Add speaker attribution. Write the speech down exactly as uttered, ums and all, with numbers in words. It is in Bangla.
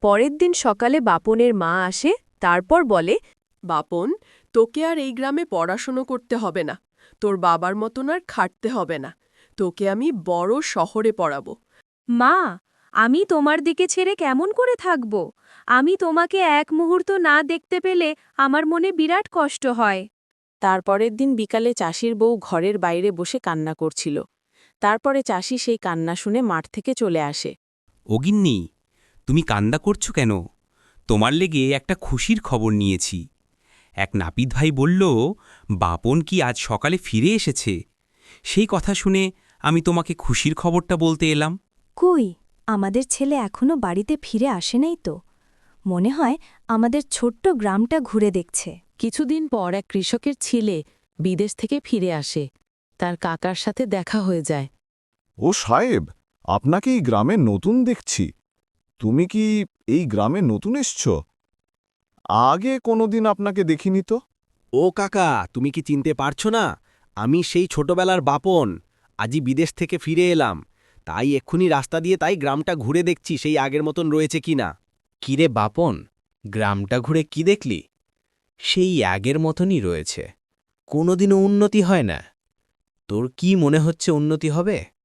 Speaker 1: পরের দিন সকালে বাপনের মা আসে, তারপর বলে,
Speaker 2: বাপন, তোকে আর এই গ্রামে পড়াশুনো করতে হবে না। তোর বাবার মতন আর খাটতে হবে না। তোকে আমি বড় শহরে পড়াবো।
Speaker 1: মা, আমি তোমার দিকে ছেড়ে কেমন করে থাকব? আমি তোমাকে এক মুহূর্ত না দেখতে পেলে আমার মনে বিরাট কষ্ট হয়।
Speaker 3: তারপরের দিন বিকালে চাষির বউ ঘরের বাইরে বসে কান্না করছিল। তারপরে চাষি সেই কান্না শুনে মাঠ থেকে চলে আসে।
Speaker 4: অগিন্নি, তুমি কান্দা করছো কেন? তোমার লেগে একটা খুশির খবর নিয়েছি। এক নাপিত ভাই বলল, বাপন কি আজ সকালে ফিরে এসেছে। সেই কথা শুনে আমি তোমাকে খুশির খবরটা বলতে এলাম।
Speaker 5: কই, আমাদের ছেলে এখনো বাড়িতে ফিরে আসে নাই তো। মনে হয় আমাদের ছোট্ট গ্রামটা ঘুরে দেখছে।
Speaker 3: কিছুদিন পর এক কৃষকের ছেলে বিদেশ থেকে ফিরে আসে। তার কাকার সাথে দেখা হয়ে যায়।
Speaker 6: ও সাহেব, আপনাকে এই গ্রামে নতুন দেখছি। তুমি কি এই গ্রামে নতুন এসছ? আগে কোনোদিন আপনাকে দেখিনি তো।
Speaker 7: ও কাকা, তুমি কি চিনতে পারছো না? আমি সেই ছোটবেলার বাপন। আজই বিদেশ থেকে ফিরে এলাম। তাই এক্ষুনি রাস্তা দিয়ে তাই গ্রামটা ঘুরে দেখছি সেই আগের মতন রয়েছে কিনা।
Speaker 8: কিরে বাপন, গ্রামটা ঘুরে কি দেখলি? সেই আগের মতনই রয়েছে, কোনোদিনও উন্নতি হয় না। তোর কি মনে হচ্ছে উন্নতি হবে?